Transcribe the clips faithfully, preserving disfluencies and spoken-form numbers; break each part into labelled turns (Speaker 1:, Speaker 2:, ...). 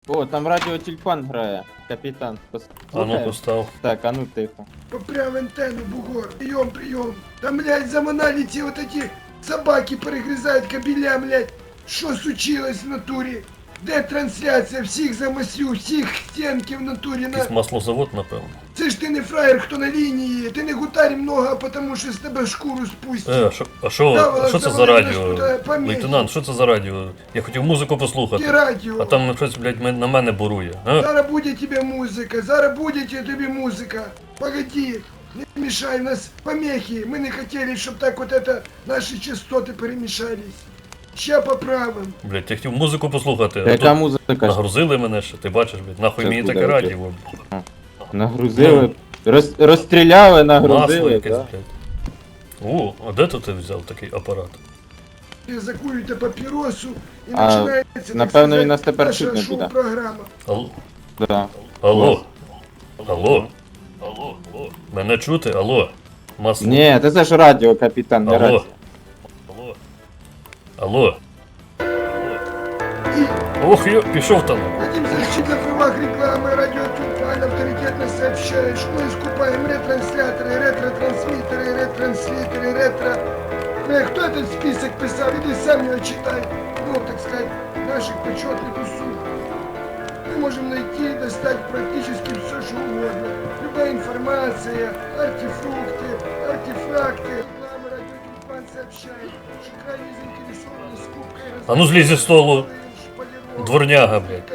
Speaker 1: О, там радіотюльпан грає, капітан.
Speaker 2: А
Speaker 1: Послухаєш?
Speaker 2: ну постав.
Speaker 1: Так, а ну тихо.
Speaker 3: Попрям антенну, бугор. Прием, прием. Там, блядь, за монолите вот эти собаки перегрызают кабеля, блядь. Что случилось в натуре? Де трансляція? Всіх замаслю, всіх стенки в натурі на...
Speaker 2: Якийсь маслозавод, напевно.
Speaker 3: Це ж ти не фраєр, хто на лінії. Ти не гутарь много, а потому що з тебе шкуру спустять.
Speaker 2: Е, а що, а що,
Speaker 3: Да,
Speaker 2: а що це за
Speaker 3: завали мене
Speaker 2: радіо?
Speaker 3: туди, поміхи.
Speaker 2: Лейтенант, що це за радіо? Я хотів музику послухати.
Speaker 3: Ти радіо.
Speaker 2: А там щось, блядь, мен- на мене бурує. А?
Speaker 3: Зараз буде тебе музика, зараз буде тобі музика. Погоди, не мешай, у нас помехи. Мы не хотели, чтобы так вот это наши частоты перемешались. Ща поправим.
Speaker 2: Блядь, я хотів музику послухати. А
Speaker 1: Яка
Speaker 2: тут
Speaker 1: музика?
Speaker 2: нагрузили мене ще, ти бачиш, блядь, нахуй
Speaker 1: Щас
Speaker 2: мені
Speaker 1: буде
Speaker 2: таке
Speaker 1: радіо.
Speaker 2: радіо.
Speaker 1: Нагрузили. Роз, розстріляли,
Speaker 2: Масло
Speaker 1: нагрузили,
Speaker 2: якесь,
Speaker 1: да?
Speaker 2: блядь. О, а де тут ти взяв такий апарат?
Speaker 3: Закуєте папіросу і
Speaker 1: А,
Speaker 3: починається, так
Speaker 1: напевно,
Speaker 3: сказати,
Speaker 1: він нас тепер
Speaker 3: наша
Speaker 1: чути не буде.
Speaker 3: шоу-програма.
Speaker 2: Алло?
Speaker 1: Да.
Speaker 2: Алло? Алло? Алло? Алло? Мене чути? Алло? Масло?
Speaker 1: Ні, це це ж радіо, капітан, не
Speaker 2: Алло?
Speaker 1: радіо.
Speaker 2: Алло? Алло?
Speaker 3: І
Speaker 2: Ох, я пішов там.
Speaker 3: хотим защитить на правах рекламы, радио Тюльпан авторитетно сообщает, что мы скупаем ретрансляторы, ретро-трансмиттеры, ретранслитеры, ретро... Э, кто этот список писал? Иди сам его читай. Ну, так сказать, наших почетных услуг. Мы можем найти, достать практически все, что угодно. Любая информация, артефрукты, артефакты. Реклама радио Тюльпан сообщает, что крайне заинтересованы скупкой...
Speaker 2: А ну злізь зі столу.
Speaker 3: шпалеров.
Speaker 2: Дворняга, блядь.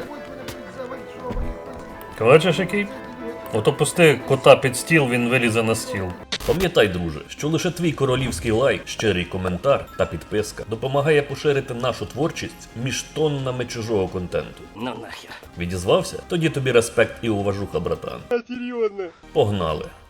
Speaker 2: Бачиш який? Ото пусти кота під стіл, він вилізе на стіл.
Speaker 4: Пам'ятай, друже, що лише твій королівський лайк, щирий коментар та підписка допомагає поширити нашу творчість між тоннами чужого контенту. Ну нахер. Відізвався? Тоді тобі респект і уважуха, братан. Серйозно? Погнали.